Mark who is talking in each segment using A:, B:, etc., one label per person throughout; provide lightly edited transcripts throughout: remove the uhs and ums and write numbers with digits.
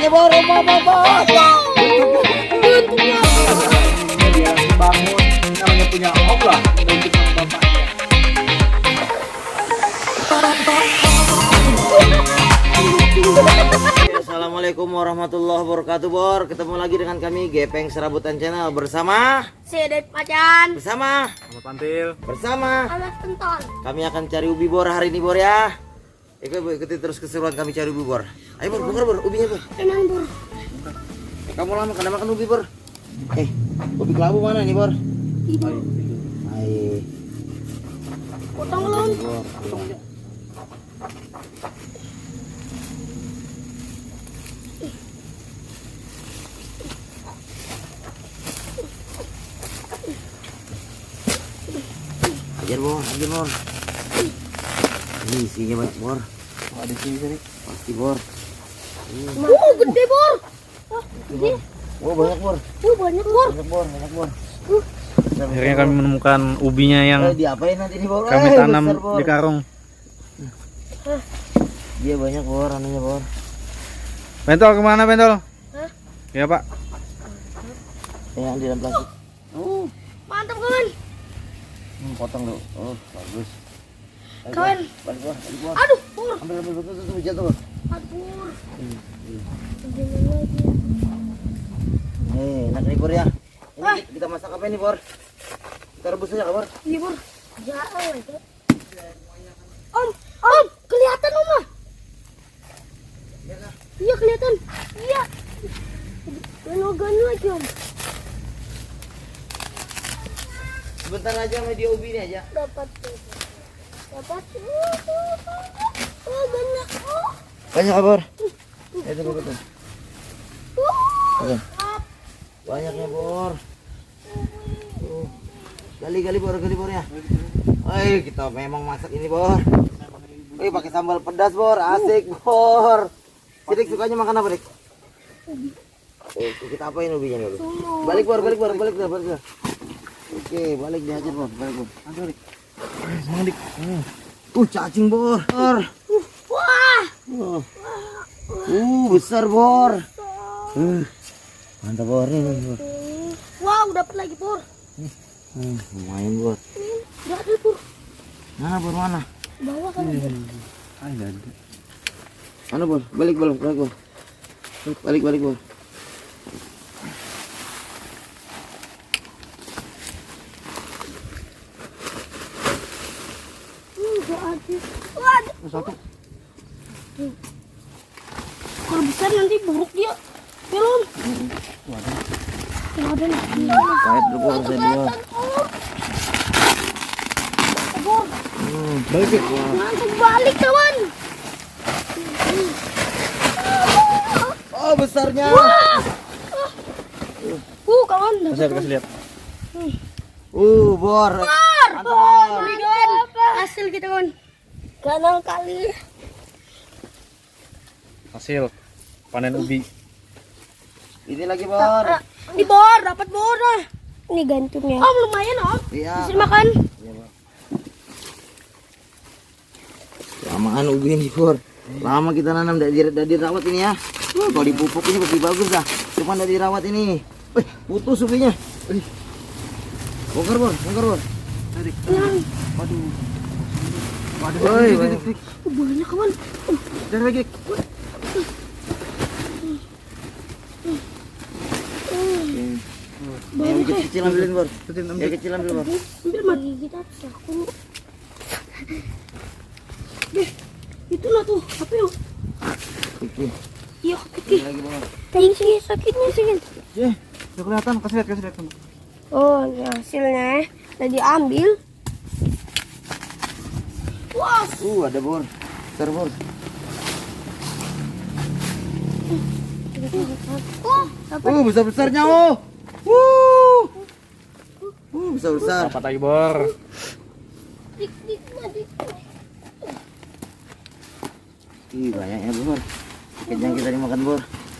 A: ubinya Bor, Bor.
B: Untungnya.
A: Dia bangun, namanya punya Allah, untuk bapaknya. Assalamualaikum warahmatullahi wabarakatuh Bor. Ketemu lagi dengan kami Gepeng Serabutan Channel bersama
B: Sedep Macan.
A: Bersama
C: Ahmad Pantil.
A: Bersama
B: Alas Pentol.
A: Kami akan cari ubi Bor hari ini Bor ya. Ikuti terus keseruan kami cari ubi Bor. Ayo Bor, bongkar Bor, ubinya Bor.
B: Tenang Bor.
A: Kamu lama kena makan ubi Bor. Ubi kelabu mana nih Bor? Ayo.
B: Potong belum?
A: Bor. Ajar Bor. Ini isinya banyak Bor. Ada sini sini. Pasti Bor.
B: Gede Bor. Gede.
A: Banyak Bor.
B: Banyak Bor.
A: Banyak Bor.
C: Akhirnya kami menemukan ubinya yang
A: Diapain nanti nih Bor?
C: kami tanam
A: Besar, Bor.
C: di karung.
A: Dia banyak Bor, anunya Bor.
C: Bentol kemana Bentol?
B: Hah?
C: Ya Pak.
A: Yang di dalam plastik.
B: Mantap kawan.
A: Potong dulu. Bagus. Ayo,
B: Kawan.
A: Balik Bor.
B: Aduh Bor.
A: Ambil betul jatuh Bor.
B: Aduh.
A: Enak nih Bor ya. Ini kita masak apa ini Bor? Kita rebus aja Bor.
B: Iya Bor. Jangan itu. Om, kelihatan Om. Iya kelihatan. Iya. Gano-gano aja Om.
A: Sebentar aja media ubi ini aja.
B: Dapat. Banyak.
A: Banyak Bor. Itu betul. Banyaknya Bor. Gali Bor ya. Kita memang masak ini Bor. Pakai sambal pedas Bor, asik Bor. Sidik sukanya makan apa Dik? Kita apain ubinya dulu? Balik Bor. Oke, balik dihajar Bor, balik Bor. Aduh Dik. Semangat Dik. Cacing Bor.
B: Wah.
A: Besar Bor. Mantap Bor nih Bor.
B: Wow, dapat lagi Bor.
A: Lumayan Bor.
B: Enggak ada Bor.
A: Mana Bor mana?
B: Bawah kan.
C: Ada.
A: Mana Bor? Balik Bor. Balik Bor.
B: Enggak ada. Wah,
C: Satu.
B: kalau besar nanti buruk dia. Belum. Enggak ada lagi.
A: Kait dulu Bor, saya dulu.
B: Bor,
C: Balik ya.
B: langsung balik kawan.
A: Besarnya.
B: Kawan.
C: Kasih lihat.
A: Bor.
B: Ini kawan. Hasil kita kawan. Kanal kali.
C: Hasil panen ubi.
A: Ini lagi Bor.
B: Ini Bor, dapat Bor. Ini gantungnya. Om lumayan Om.
A: Iya.
B: Bisa makan.
A: Iya Bor. Lamaan ubi ini Bor. Lama kita nanam dari dirawat ini ya. Kalau dipupuk ini lebih bagus dah. Cuma dari dirawat ini. Putus ubinya. Bongkar Bor. Waduh.
B: Banyak kawan.
C: Jangan lagi.
A: Yang kecil ambilin Bor. Yang kecil ambil Bor.
B: Ambil mati kita aku. Itu lah tuh. Apa yuk?
A: Kecil.
B: Iya, kiki.
A: Lagi Bor.
B: Tinggi sakitnya sakit.
C: Udah kelihatan. Kasih lihat.
B: Oh, ini hasilnya udah diambil. Wah,
A: Ada Bor. Besar Bor. Besar-besarnya besar-besar.
C: Dapat lagi Bor.
A: Banyaknya Bor. Ikan yang kita dimakan Bor.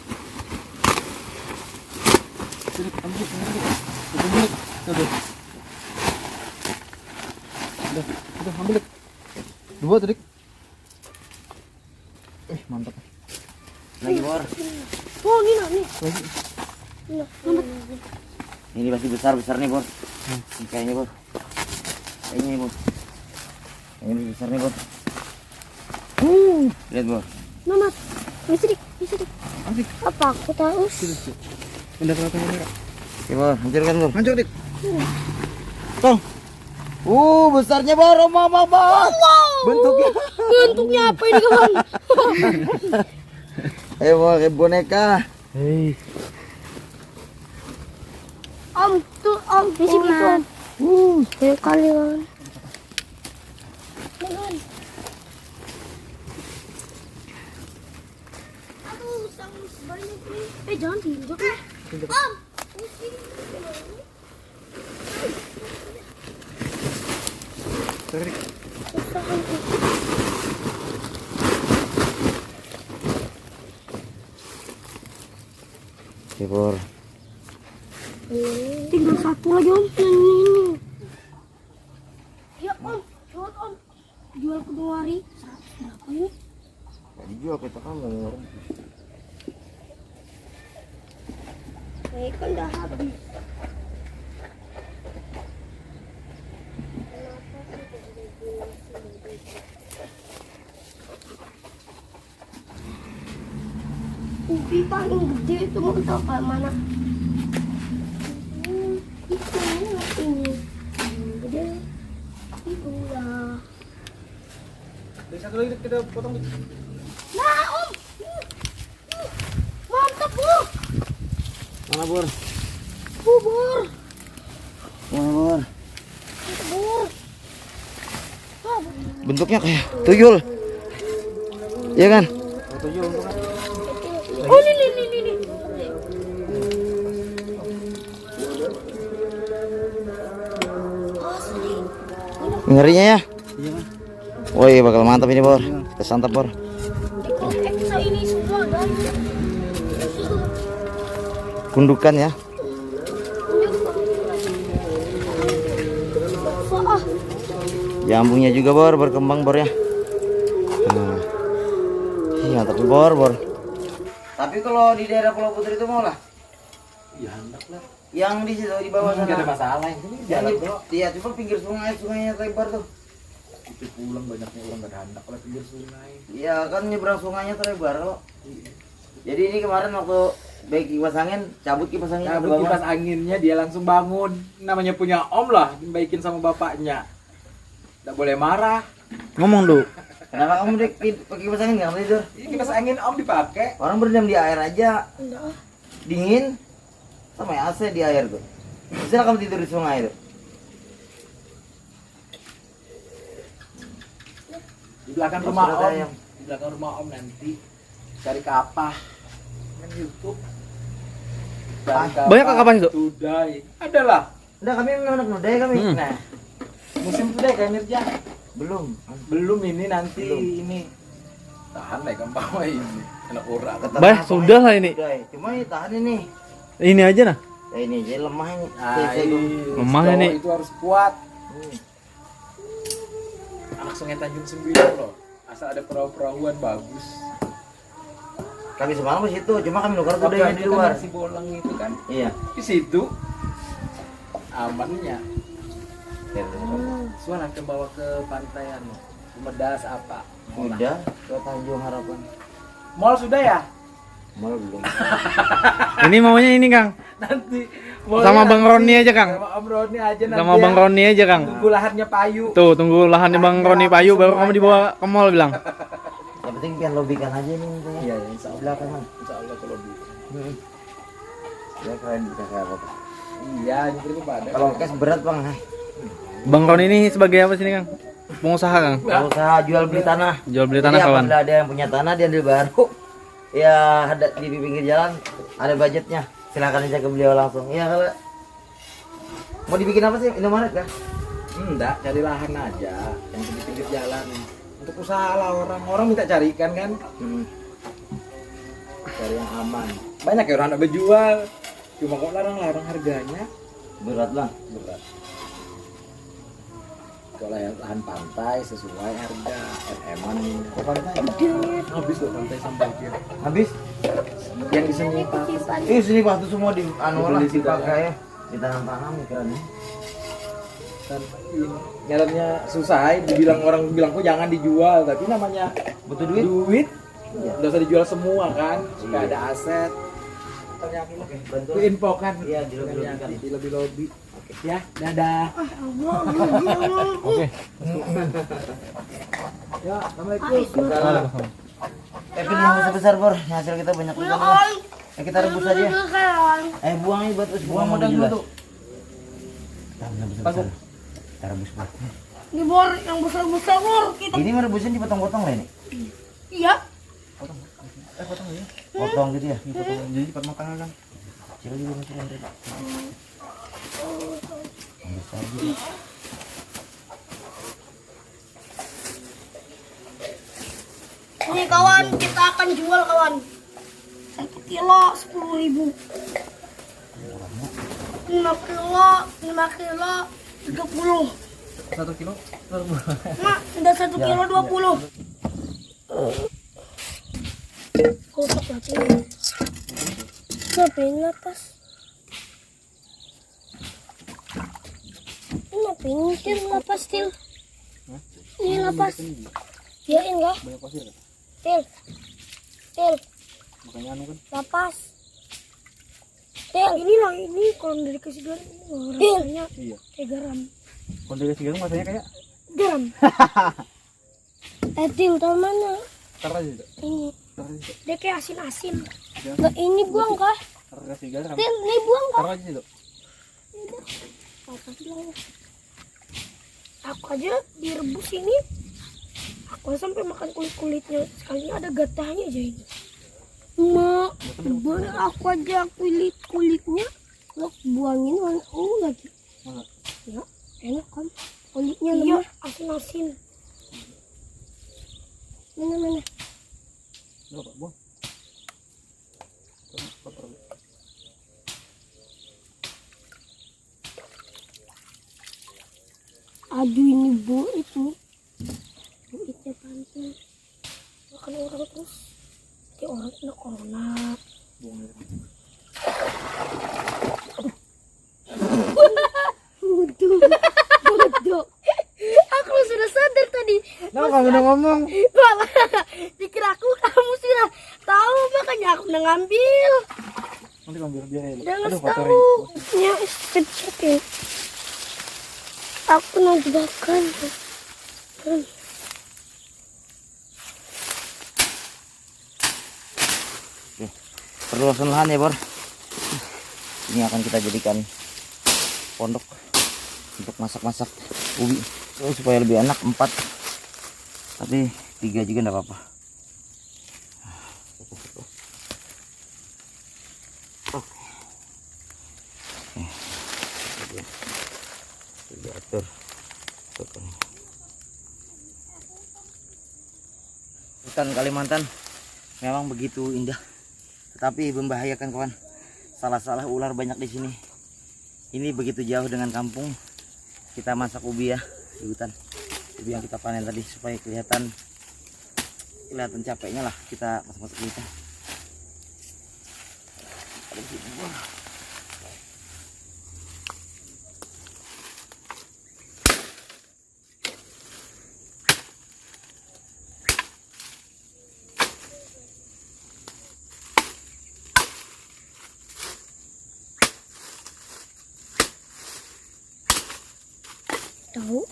C: Udah ambil. Dua tadi. Mantap.
A: Lagi Bor.
B: Oh, ini nah, nih. Ini, lambat.
A: Ini pasti besar nih, Bor. Ini kayaknya, Bor. Kayaknya nih, Bor. Ini besar nih, Bor. Lihat, Bor.
B: Lambat. Ini sedikit.
C: Asik.
B: Apa aku tahu?
C: Udah kelihatan ini, Kak.
A: Oke, Bor. Hancurkan, Bor.
C: Hancur, Dik.
A: Tuh. Besarnya, Bor. Mama, Bor.
B: Bentuknya apa ini, kawan?
A: Ayo, Bor. Kayak boneka.
C: Hei.
B: Om, tuh Om. Di sini, Om. Kayak kali, kawan. Kawan. Aduh, sangat banyak nih. Jangan diinjak ya. Om.
C: Sorry, Dik.
A: Oke, Bor.
B: Tinggal satu lagi, Om. Ini. Ya, Om. Jual, Om. Jual ke 2 hari. 100 berapa ini?
A: Gak dijual kata kamu.
B: Ini kan udah habis. Ubi paling gede itu mau tahu kayak mana? Itu ini. Gede. Itu lah.
C: Dari satu lagi, Dik, kita potong, Dik.
B: Nah, Om. Mantap, Bu.
A: Mana, Bor?
B: Bubur.
A: Mana, Bor?
B: Mantap, Bur. Ah, Bu.
A: Bentuknya kayak tuyul. Iya kan?
B: Oh, ini. Asli.
A: Ngerinya ya.
C: Iya, Mas.
A: Woi, bakal mantap ini, Bor. Kita santap, Bor.
B: Ikut eksa ini semua, guys.
A: Gundukan ya.
B: Ah,
A: Jambungnya juga, Bor, berkembang, Bor ya. Nah. Mantap, Bor. Tapi kalau di daerah Pulau Putri itu mau lah.
C: Ya, hendak lah.
A: Yang di situ di bawah sana.
C: Enggak ada masalah. Ini
A: Yang
C: jalan,
A: di,
C: Bro.
A: iya, cuma pinggir sungainya lebar tuh.
C: Itu pulang banyaknya orang enggak ada hendak lah pinggir sungai.
A: Iya, kan nyebrang sungainya tuh lebar kok. Jadi ini kemarin waktu baik kipas angin, cabut kipas angin.
D: Cabut kipas anginnya dia langsung bangun. Namanya punya Om lah, dibaikin sama bapaknya. Nggak boleh marah.
C: Ngomong, Duk.
A: Kenapa kamu pakai kipas angin nggak tidur?
D: Ini kipas angin Om dipakai.
A: Orang berendam di air aja,
B: enggak.
A: dingin, sama AC di air tuh. Bisa kamu tidur di sungai tuh.
D: Di belakang
A: Ya,
D: rumah
A: sudah
D: Om.
A: tayang.
D: Di belakang rumah Om nanti cari kapah. Kan YouTube. Cari
C: Banyak kapah itu?
D: Tudai. Ada lah.
A: Udah kami memang anak muda ya kami.
D: Nah, musim tudai kayak Mirja.
A: Belum.
D: Belum ini nanti
A: Belum.
D: ini. Tahan deh kan bawa ini. Anak orang.
C: Bah, sudah lah ini.
A: Udah, cuma ini tahan ini.
C: Ini aja nah.
A: Ya ini jadi lemah ini.
D: Nah,
C: Lemah ini.
D: Itu harus kuat. Anak Sungai Tanjung 9 loh. Asal ada perahu-perahuan bagus.
A: Kami semalam di situ, cuma kami nuker
D: Waktu
A: kudanya di
D: itu kan
A: luar.
D: si bolang itu kan
A: Iya.
D: di situ amannya. Suara ke bawa ke pantaian, Medas apa?
A: Udah ke Tanjung Harapan.
D: Mall sudah ya?
A: Mal belum.
C: Ini maunya ini, Kang.
D: Nanti
C: Sama Bang Roni aja, Kang.
D: Sama Om Roni aja nanti.
C: Sama Bang Roni aja, Kang.
D: Tunggu lahannya payu.
C: Tuh, tunggu lahannya Bang Roni payu baru kamu dibawa ke mall bilang.
A: Yang penting biar lobikan aja nih saya.
D: Iya, insya Allah.
A: Belakangan.
D: Insya Allah kalau bisa.
A: Ya keren bisa kayak apa.
D: Iya, nyukur pada.
A: Kalau cash berat bang.
C: Bang Roni ini sebagai apa sini, Kang? Pengusaha, Kang.
A: Usaha jual beli tanah.
C: Jual beli
A: Jadi
C: tanah, kawan.
A: apabila ada yang punya tanah dia ambil baru. Ya ada di pinggir jalan ada budgetnya. Silakan aja ke beliau langsung. Ya kalau mau dibikin apa sih? Indomaret kah?
D: Enggak, cari lahan aja yang di pinggir jalan. Untuk usaha lah orang minta carikan kan. Cari yang aman. Banyak ya orang nak berjual. Cuma kok larang-larang harganya
A: Berat bang.
D: berat. Kalau yang lahan pantai sesuai harga MM-an.
A: Ke pantai.
D: Habis loh pantai sampai kiri.
A: Habis?
D: yang di sini Pak.
A: Sini Pak tuh semua di anu lah
D: Dibeli sudah,
A: dipakai ya. Ditanam-tanam ikannya.
D: Dan nyaranya susah, dibilang orang bilang kok jangan dijual, tapi namanya
A: Butuh duit?
D: duit udah usah dijual semua kan, supaya ada aset.
A: Bantu.
D: Itu info kan,
A: Iya, dilobby-lobbykan.
D: di lobby. Ya, dadah.
C: Oke.
D: Ya, assalamualaikum.
A: Tapi yang besar bor, hasil kita banyak juga bor. Kita rebus aja. Buang ini buat us, buang modal dulu tuh. Kita rebus bor.
B: Ini bor yang besar-besar bor. Kita
A: Ini merebusin dipotong-potong lah ini.
B: iya.
A: Potong gitu ya.
C: Jadi cepat matang kan.
A: Kecil juga masih ada. Yang besar juga.
B: Ini kawan, kita akan jual kawan. 1 kilo 10.000. 5 kilo 30.
C: 1 kilo.
B: Mak, udah 1 kilo 20. Kotak lagi. Ngapain lapas? Ngapain mikir lapas til? Ini lapas. Ya enggak.
C: Banyak pasir kan?
B: Til.
C: Makanya anu kan.
B: Lapas. Til. Ini lah ini kalau dari kasih garam ini rasanya
C: Iya.
B: kayak garam.
C: Kalau dari sekarang rasanya kayak
B: Garam. Til tahu mana?
C: tar aja itu.
B: Ini.
C: Tar aja itu.
B: Dia kayak asin-asin.
C: Ya.
B: Enggak ini buang kah?
C: Tar kasih garam.
B: Til, ini buang kah?
C: Tar aja itu.
B: Apa bilang? Aku aja direbus ini. Aku sampai makan kulit-kulitnya. Sekalinya ada gatahnya aja ini. Mak, boleh aku aja kulit-kulitnya. Lo buangin lagi.
C: Mana?
B: Ya, enak kan? Kulitnya lemah, asin-asin. Mana?
C: Enggak, Pak. Buang. Kotor.
B: Aduh ini buit nih. Buitnya pantai. Makan orang terus. Kayak orang kena corona.
C: Buang aja.
B: Bodoh. Aku sudah sadar tadi.
C: Nah, kamu udah ngomong.
B: Malah dikira aku kamu sudah tahu, makanya aku udah ngambil.
C: Nanti kamu biar ya.
B: Jangan
C: Aduh,
B: tahu. Ya, kecil ya. Aku mau dibakar.
A: Perluasan lahan ya bor. Ini akan kita jadikan pondok untuk masak-masak ubi. Supaya lebih enak 4. Tapi 3 juga enggak apa-apa. Atur. Hutan Kalimantan memang begitu indah, tetapi membahayakan kawan. Salah-salah ular banyak di sini. Ini begitu jauh dengan kampung. Kita masak ubi ya di hutan. Ubi yang kita panen tadi supaya kelihatan capeknya lah kita masak-masak di hutan.
B: Tahu?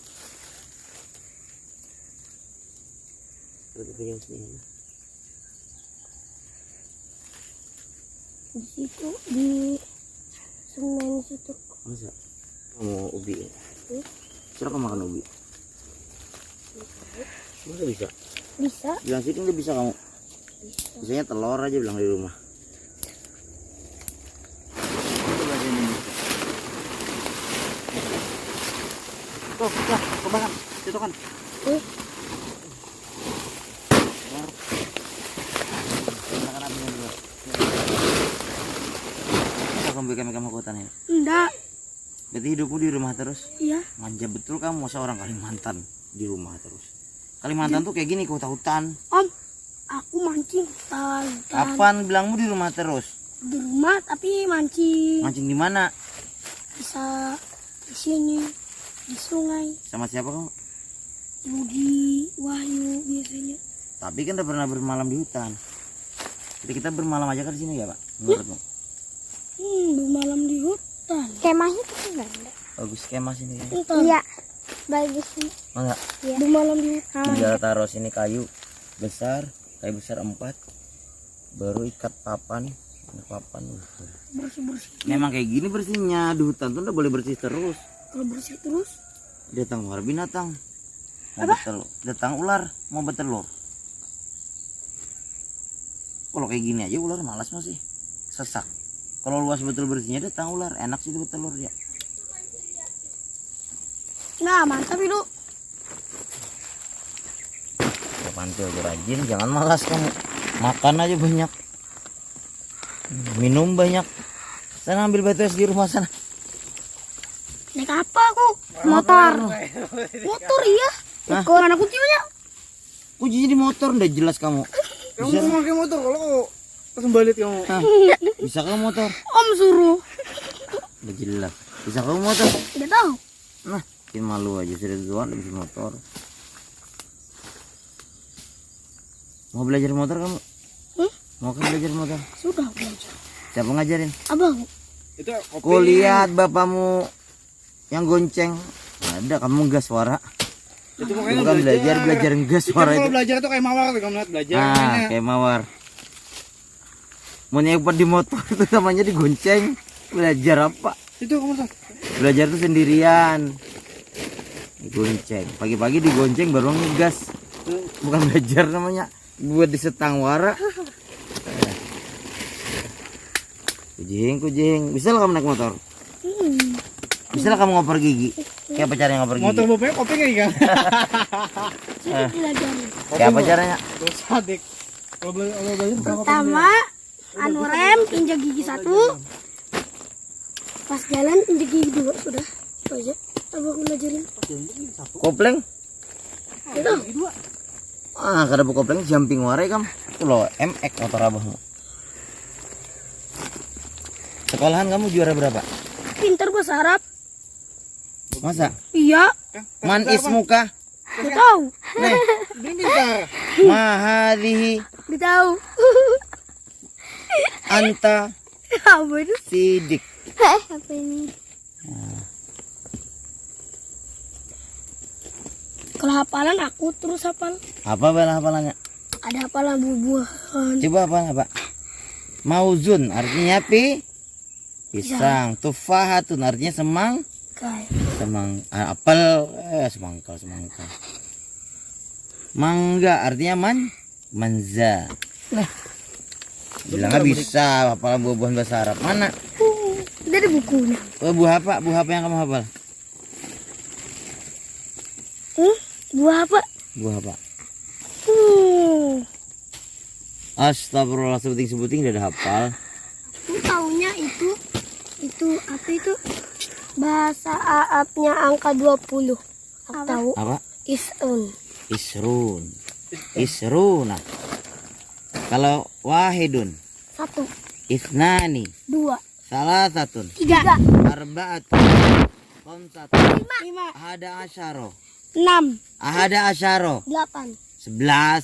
B: Di situ di semen situ.
A: Masa kamu ubi ya? Silakan makan ubi. Masa bisa?
B: Bisa?
A: Bilang sini nggak bisa kamu. Bisanya telur aja bilang di rumah. Tuh, kebakar. Itu kan. Kamu bikin hutan ya?
B: Enggak.
A: Berarti hidupmu di rumah terus?
B: Iya.
A: Manja betul kamu, masa orang Kalimantan di rumah terus. Kalimantan tuh kayak gini, kota hutan.
B: Om, Aku mancing hutan.
A: Kapan bilangmu di rumah terus?
B: Di rumah tapi mancing.
A: Mancing di mana?
B: Bisa di sini, di sungai,
A: Sama siapa kamu?
B: Budi, Wahyu biasanya.
A: Tapi kan udah pernah bermalam di hutan. Jadi kita bermalam aja kan di sini ya, Pak? Menurutmu?
B: Bermalam di hutan.
E: Kemahnya tuh enggak ada.
A: Bagus skema sini ya.
B: Hutan.
E: Iya. Bagus nih.
A: Enggak.
B: Bermalam di hutan.
A: Tinggal taruh sini kayu besar 4, baru ikat papan. Ini papan.
B: Bersih-bersih.
A: Memang kayak gini bersihnya di hutan tuh udah boleh bersih terus.
B: Kalau bersih terus,
A: Datang ular binatang. Mau betelur. Datang ular mau bertelur. Kalau kayak gini aja ular malas masih sesak. Kalau luas betul bersihnya datang ular, enak sih itu bertelur ya.
B: nah mantap itu.
A: Ya pantul aja rajin, jangan malas kamu. Makan aja banyak. Minum banyak. Sana ambil batu es di rumah sana.
B: Naik apa aku? Motor. Motor iya.
A: Hah?
B: Mana kuncinya?
A: Kuncinya di motor udah jelas kamu.
C: Kamu mau pakai motor kalau langsung balik kamu.
A: Hah? Bisa kamu motor?
B: Om suruh.
A: Udah jelas. Bisa kamu motor?
B: Tidak tahu.
A: Nah, bikin malu aja sudah tua udah bisa motor. Mau belajar motor kamu? Mau kan belajar motor?
B: Sudah belajar.
A: Siapa ngajarin?
B: Abang.
C: Itu kopi.
A: Kau lihat bapakmu yang gonceng. Ada kamu gas suara.
C: Itu
A: Kamu kan belajar gas suara
C: Kalau
A: itu.
C: belajar tuh kayak mawar tuh kamu lihat belajar.
A: Ah,
C: mainnya.
A: kayak mawar. Mau nyepet di motor itu namanya digonceng. Belajar apa?
C: Itu kamu tuh.
A: Belajar tuh sendirian. Digonceng. Pagi-pagi digonceng baru ngegas. Bukan belajar namanya. Buat disetang wara. Kucing. Bisa lah kamu naik motor? Bisa lah kamu ngoper gigi? Kayak apa caranya ngoper
C: Motor
A: gigi?
C: bapaknya kopi nggak ikan?
B: Sudah belajar.
A: Kayak apa caranya?
C: Terus adik. Kalau belajar bukan kopi.
B: Pertama, anu rem, injak gigi 1. Pas jalan injak gigi 2 sudah. Itu aja. Abang belajarin.
A: Kopleng?
B: Itu.
A: Ah, kada bu kopleng jumping warai kam. Itu loh, MX motor abahmu. Sekolahan kamu juara berapa?
B: Pintar bahasa Arab.
A: Masa?
B: Iya.
A: Man ismuka?
B: Tidak tahu.
A: Nih,
C: Dia pintar.
A: mahadihi
B: Tidak tahu.
A: anta
B: Apa itu?
A: sidik.
E: Apa ini?
B: Kalau hafalan aku terus hafal.
A: Apa bala hafalannya?
B: Ada hafalan buah-buahan.
A: Coba apa? Mauzun artinya pisang. Tufahatun artinya
B: Kayak
A: apel, semangkal. Mangga artinya manza.
B: Nah.
A: Bilangnya bisa hafalan buah-buahan bahasa Arab. Mana?
B: dari bukunya.
A: Buah apa? Buah apa yang kamu hafal?
B: Buah apa?
A: Buah apa? Astagfirullah, sebuting udah ada hafal.
B: Aku taunya itu apa itu? Bahasa Arabnya angka 20. Aku tahu.
A: Apa?
B: Is'un.
A: Isruna. Kalau wahidun,
B: 1,
A: ithnani,
B: 2,
A: salasatun,
B: 3,
A: arba'atun, khamsatun,
B: 5,
A: ahada asyaro,
B: 6,
A: ahada asyaro,
B: 8.
A: 11.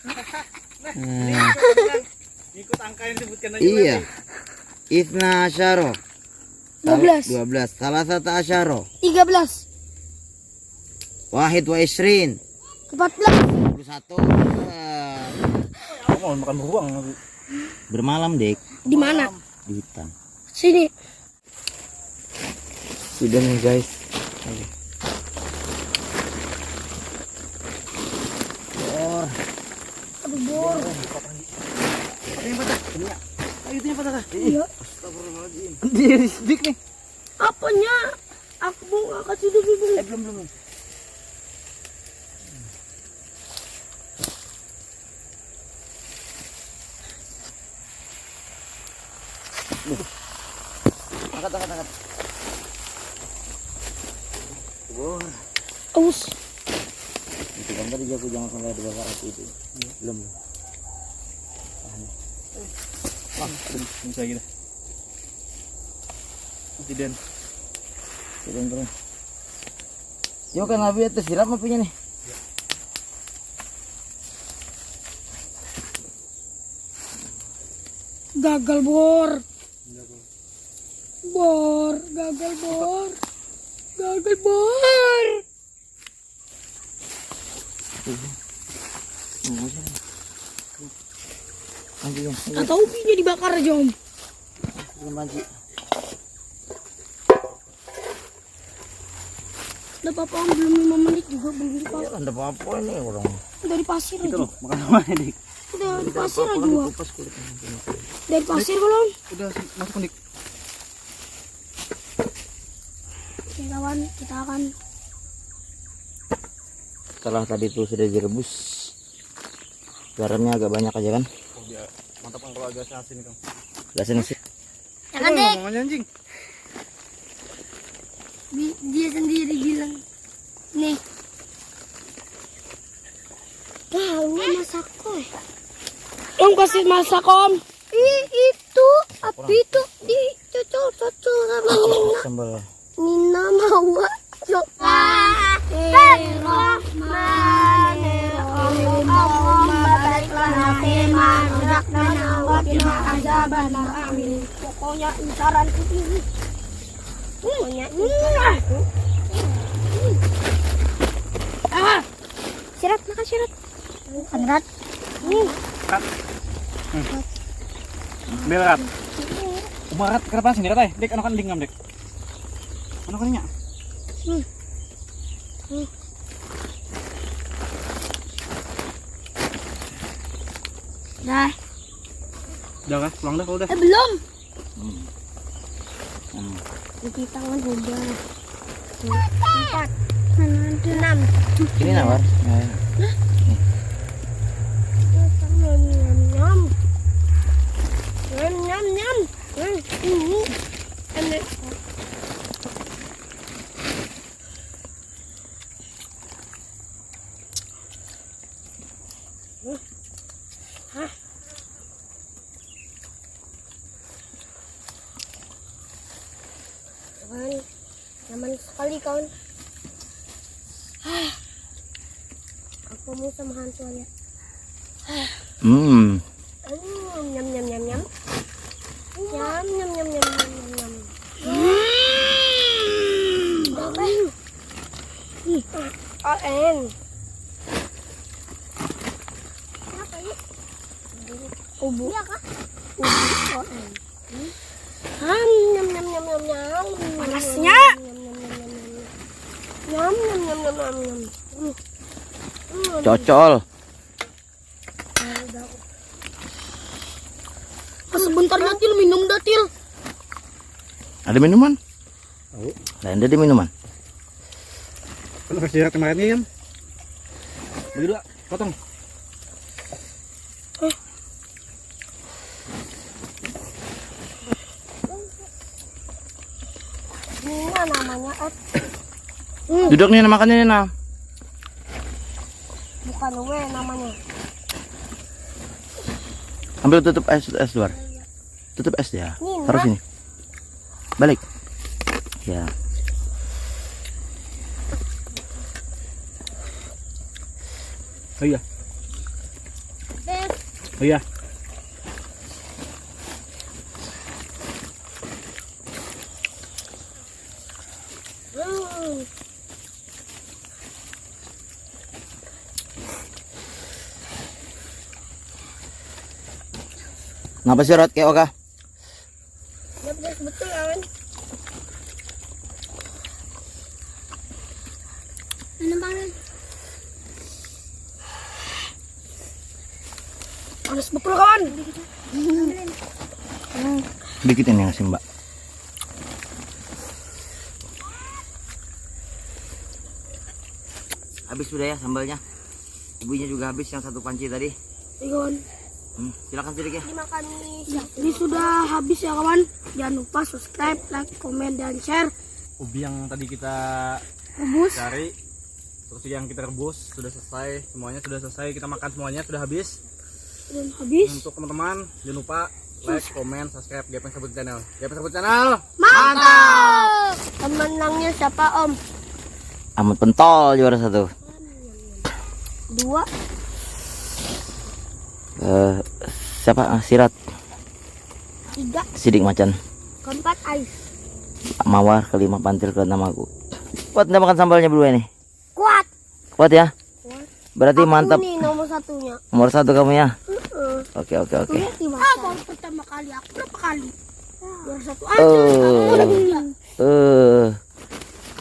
C: Ikut angka yang disebutkan aja.
A: Iya. Ithna asyaro,
B: 12,
A: 12, salasata asyaro,
B: 13,
A: wahid wa isrin,
B: 14.
A: 21.
C: Kamu makan beruang.
A: Bermalam, Dek,
B: Di mana?
A: di hutan.
B: Sini.
A: Sudah nih, guys.
B: Aduh, bor. Iya.
A: Dia dik nih.
B: Apanya? Aku mau ngangkat sudah bingung.
A: Belum. Angkat. Wow.
B: Aus.
A: Itu kan tadi aku jangan sampai ada bakar api itu. Belum.
C: Bisa gitu. Tidak.
A: Turun. Yo kan Abi atas siram apinya nih.
B: Gagal bor. Gagal bor.
A: Anjing.
B: Atau upinya dibakar aja om.
A: Manji.
B: Udah apa om, belum 5 menit juga belum
A: Ya
B: dipakai.
A: ada apa ini orang.
B: Dari pasir aja.
C: Makan apa nih?
B: Udah di pasir aja. Wak.
A: Kupas kulitnya.
B: Dari pasir kalau om.
C: Udah masuk nih.
B: Oke kawan, kita akan
A: Setelah tadi itu sudah direbus, garamnya agak banyak aja kan?
C: Mantap kan kalau agak asin nih, Kang.
A: Gasin sih.
B: jangan deh.
C: Ngomongnya anjing.
B: Dia sendiri bilang nih. Tahu masak kok. Om kasih masak om. Itu api itu dicocol sama Nina.
A: Sambal.
B: Nina mau Bismillahirrahmanirrahim. Allahumma barik lana fima razaqtana wa qina azabannar. Amin. Pokoknya incaranku ini. Sirat, makan sirat. Sirat.
C: Berat. Umarat kenapa sih rat dek anak kan dingam dek. Anak kan nya.
B: Dah.
C: Udah kan? Pulang dah kalau udah.
B: Belum. Cuci tangan udah. 4. Mana ada? 6.
A: Ini nawar.
B: Nyam. Ini enak. Kawan, nyaman sekali kawan. Aku mau sama hantuannya.
A: Hmm.
B: Nyam. Nyam. ON. Apa ini? Ubu. Iya kah? Ubu ON. Nyam. Panasnya. Nyam.
A: Cocol.
B: Sebentar Datil minum Datil.
A: Ada minuman?
C: Tahu.
A: Lain ada minuman.
C: Kan kasih sirat kemarin kan? Begitu lah, potong.
B: Nina namanya
A: Duduk nih makannya nih nah.
B: bukan W namanya.
A: Ambil tutup es luar. Tutup es ya.
B: Nina.
A: Taruh sini. Balik. Ya.
C: Oh iya. Oh iya.
A: Ngapa sih Rot kayak Oka?
B: Ya betul kawan. Panas betul kawan.
A: Dikit ini ngasih Mbak. Habis sudah ya sambalnya. Ibunya juga habis yang satu panci tadi.
B: Kawan.
A: Silakan sedikit ya.
B: Dimakan ini sudah habis ya kawan. Jangan lupa subscribe, like, komen dan share.
C: Ubi yang tadi kita
B: Rebus.
C: cari, terus yang kita rebus sudah selesai, semuanya sudah selesai, kita makan semuanya sudah habis.
B: Dan habis.
C: Untuk teman-teman, jangan lupa like, comment, subscribe Gepeng Sabut Channel. Gepeng Sabut Channel.
B: Mantap. Pemenangnya siapa Om?
A: Ahmad Pentol juara 1.
B: 2.
A: Siapa? Sirat.
B: 3.
A: Sidik Macan.
B: Keempat Ais.
A: Mawar. Kelima Pantil. Keenam aku. Kuat nggak makan sambalnya berdua ini?
B: Kuat.
A: Kuat ya?
B: Aku
A: Berarti mantap.
B: nih nomor satunya.
A: Nomor 1 kamu ya?
B: Heeh.
A: Oke oke oke.
B: Baru pertama kali aku berapa kali? Juara 1 aja.
A: Oh.